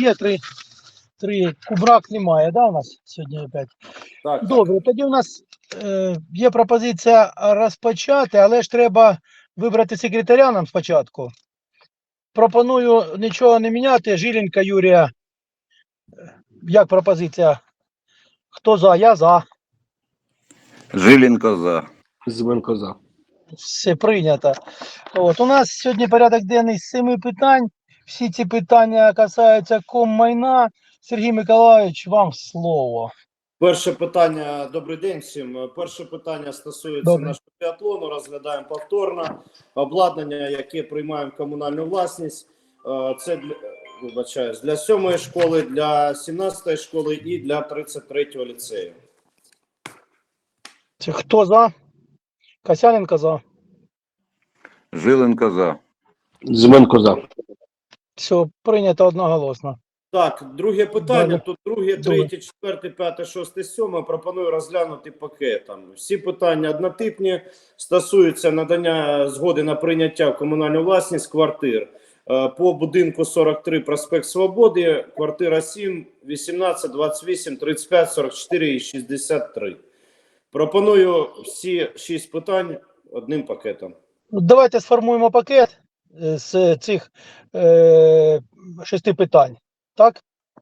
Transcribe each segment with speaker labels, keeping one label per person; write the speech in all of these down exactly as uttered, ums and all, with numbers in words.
Speaker 1: є, три, три. Кубрак немає, да, у нас сьогодні опять?
Speaker 2: Так,
Speaker 1: Добре, тоді у нас е, є пропозиція розпочати, але ж треба вибрати секретаря нам спочатку. Пропоную нічого не міняти. Жиленка Юрія. Як пропозиція? Хто за? Я за.
Speaker 3: Жиленко за.
Speaker 4: Зименко за.
Speaker 1: Все прийнято. От, у нас сьогодні порядок денний з семи питань. Всі ці питання касаються коммайна. Сергій Миколайович, вам слово.
Speaker 2: перше питання. Добрий день всім. Перше питання стосується
Speaker 1: Добре.
Speaker 2: нашого біатлону. Розглядаємо повторно. Обладнання, яке приймаємо в комунальну власність. Е, Це для, вибачаюсь, для сьомої школи, для сімнадцятої школи і для тридцять третього ліцею.
Speaker 1: Це хто за? Касяненко за.
Speaker 3: Жиленко за.
Speaker 4: Зименко за.
Speaker 1: Все, прийнято одноголосно.
Speaker 2: Так, друге питання.
Speaker 1: Далі.
Speaker 2: Тут друге,
Speaker 1: Добре.
Speaker 2: третє, четверте, п'яте, шосте, сьоме. Пропоную розглянути пакетом. Всі питання однотипні, стосуються надання згоди на прийняття в комунальну власність квартир. Е, По будинку сорок три проспект Свободи, квартира сім, вісімнадцять, двадцять вісім, тридцять п'ять, сорок чотири і шістдесят три. Пропоную всі шість питань одним пакетом.
Speaker 1: Давайте сформуємо пакет е, з цих е, шести питань. Так?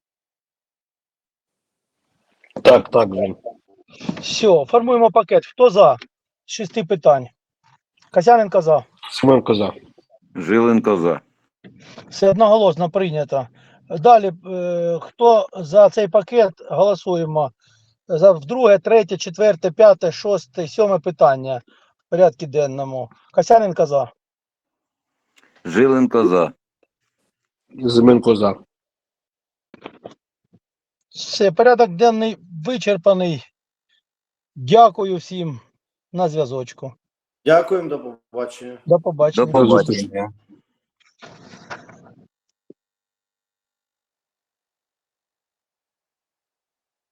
Speaker 4: Так, так, Жень.
Speaker 1: Все, формуємо пакет. Хто за? З шести питань. Касяненко за.
Speaker 4: Зименко за.
Speaker 3: Жиленко за.
Speaker 1: Все одноголосно прийнято. Далі, е, хто за цей пакет, голосуємо. За вдруге, третє, четверте, п'яте, шосте, сьоме питання в порядку денному. Касяненко за.
Speaker 3: Жиленко за.
Speaker 4: Зименко за.
Speaker 1: Все, порядок денний вичерпаний. Дякую всім. На зв'язочку.
Speaker 2: Дякуємо, до побачення.
Speaker 1: До побачення.
Speaker 3: До побачення.